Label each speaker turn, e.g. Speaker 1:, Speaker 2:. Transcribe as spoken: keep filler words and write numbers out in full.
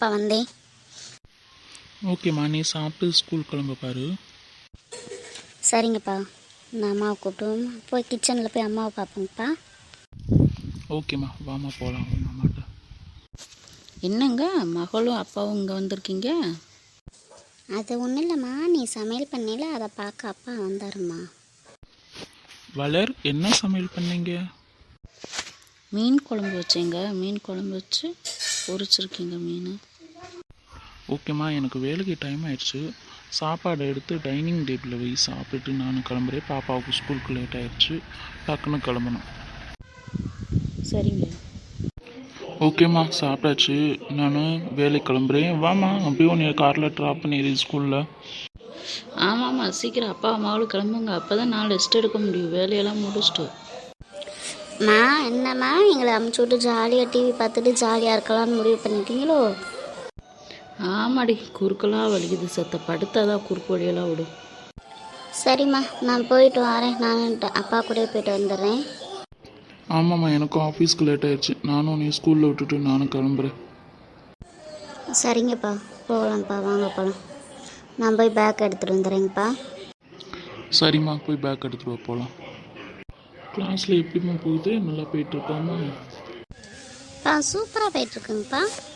Speaker 1: தான்ப்பா வந்தேன்.
Speaker 2: ஓகேம்மா, நீ சாப்பிட்டு ஸ்கூல் கிளம்ப பாரு.
Speaker 1: சரிங்கப்பா, நான் அம்மாவை கூப்பிட்டு போய் கிச்சனில் போய் அம்மாவை பார்ப்பேங்கப்பா.
Speaker 2: ஓகேம்மா, வாமா போகலாம் அம்மாட்ட.
Speaker 3: என்னங்க மகளும் அப்பாவும் இங்கே வந்திருக்கீங்க?
Speaker 1: அது ஒன்றும் இல்லைம்மா, நீ சமையல் பண்ணல அதை பார்க்க அப்பா வந்தாருமா.
Speaker 2: வளர், என்ன சமையல் பண்ணீங்க?
Speaker 3: மீன் குழம்பு வச்சேங்க. மீன் குழம்பு வச்சு பொரிச்சிருக்கீங்க மீன்.
Speaker 2: ஓகேம்மா, எனக்கு வேலைக்கு டைம் ஆயிடுச்சு. சாப்பாடு எடுத்து டைனிங் டேபிளில் போய் சாப்பிட்டுட்டு நான் கிளம்புறேன். பாப்பாவுக்கு ஸ்கூலுக்கு லேட் ஆயிடுச்சு, டக்குன்னு கிளம்பணும்.
Speaker 3: சரிங்க.
Speaker 2: ஓகேம்மா, சாப்பிட்டாச்சு. நான் வேலைக்கு கிளம்புறேன். வாம்மா, அப்படியே உன்னை காரில் ட்ராப் பண்ணிடு ஸ்கூலில்.
Speaker 3: ஆமாம்மா, சீக்கிரம் அப்பா அம்மாவும் கிளம்புங்க. அப்போ தான் நான் ரெஸ்ட் எடுக்க முடியும், வேலையெல்லாம் முடிச்சுட்டு.
Speaker 1: மா என்னம்மா, எங்களை அமுச்சு விட்டு ஜாலியாக டிவி பார்த்துட்டு ஜாலியாக இருக்கலாம்னு முடிவு பண்ணிட்டீங்களோ?
Speaker 3: ஆமாடி, குறுக்கெல்லாம் வலிக்குது. சத்த படுத்தாதான் குறுக்கு வழியெல்லாம் விடும்.
Speaker 1: சரிம்மா, நான் போயிட்டு வரேன். நான் அப்பா கூட போயிட்டு வந்துடுறேன்.
Speaker 2: ஆமாம்மா, எனக்கும் ஆஃபீஸ்க்கு லேட் ஆயிடுச்சு. நானும் நீ ஸ்கூலில் விட்டுட்டு நானும் கிளம்புறேன்.
Speaker 1: சரிங்கப்பா, போகலாம்ப்பா, வாங்க போகலாம். நான் போய் பேக் எடுத்துகிட்டு வந்துடுறேங்கப்பா.
Speaker 2: சரிம்மா, போய் பேக் எடுத்துகிட்டு வா, போகலாம். கிளாஸில் எப்படிம்மா போகுது? நல்லா போயிட்டுருக்காமா?
Speaker 1: பா சூப்பராக போயிட்டுருக்குங்கப்பா.